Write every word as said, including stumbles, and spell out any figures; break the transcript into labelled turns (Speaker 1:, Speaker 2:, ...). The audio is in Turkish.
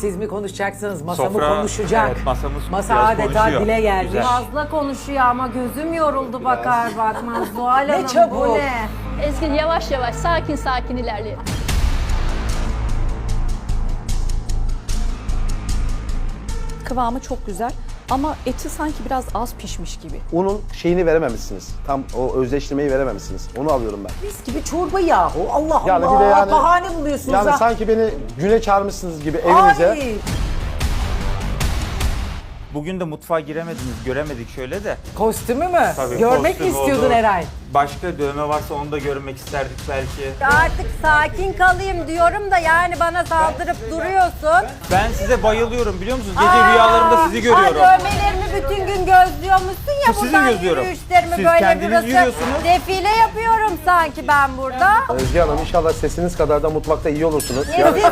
Speaker 1: siz mi konuşacaksınız? Masa mı
Speaker 2: Sofra,
Speaker 1: konuşacak?
Speaker 2: evet, masamız
Speaker 1: Masa
Speaker 2: biraz
Speaker 1: adeta
Speaker 2: konuşuyor.
Speaker 1: dile geldi.
Speaker 2: Güzel.
Speaker 3: Fazla konuşuyor ama gözüm yoruldu bakar bakmaz. Zuhal Hanım
Speaker 1: çabuk.
Speaker 3: bu ne?
Speaker 4: Ezgi yavaş yavaş sakin sakin ilerleyelim.
Speaker 5: Kıvamı çok güzel ama eti sanki biraz az pişmiş gibi.
Speaker 6: Unun şeyini verememişsiniz. Tam o özleştirmeyi verememişsiniz. Onu alıyorum ben.
Speaker 1: Mis gibi çorba yahu. Allah
Speaker 6: Yani
Speaker 1: Allah.
Speaker 6: bir de yani-
Speaker 1: Bahane buluyorsunuz
Speaker 6: Yani
Speaker 1: ha.
Speaker 6: sanki beni güne çağırmışsınız gibi evinize.
Speaker 1: Ay,
Speaker 2: Bugün de mutfağa giremediniz, göremedik şöyle de.
Speaker 1: kostümü mü?
Speaker 2: Tabii,
Speaker 1: Görmek mi
Speaker 2: kostüm
Speaker 1: istiyordun
Speaker 2: oldu.
Speaker 1: Eray?
Speaker 2: Başka dövme varsa onu da görmek isterdik belki.
Speaker 3: Artık sakin kalayım diyorum da yani bana saldırıp duruyorsun.
Speaker 2: Ben size bayılıyorum biliyor musunuz? Gece rüyalarımda sizi görüyorum.
Speaker 3: Ay dövmelerimi bütün gün gözlüyormuşsun ya
Speaker 2: Bu sizi
Speaker 3: buradan
Speaker 2: gözlüyorum.
Speaker 3: yürüyüşlerimi
Speaker 2: Siz
Speaker 3: böyle
Speaker 2: kendiniz
Speaker 3: burası
Speaker 2: yürüyorsunuz.
Speaker 3: defile yapıyorum sanki ben burada.
Speaker 6: Özge Hanım inşallah sesiniz kadar da mutfakta iyi olursunuz.
Speaker 3: Ne
Speaker 6: Yani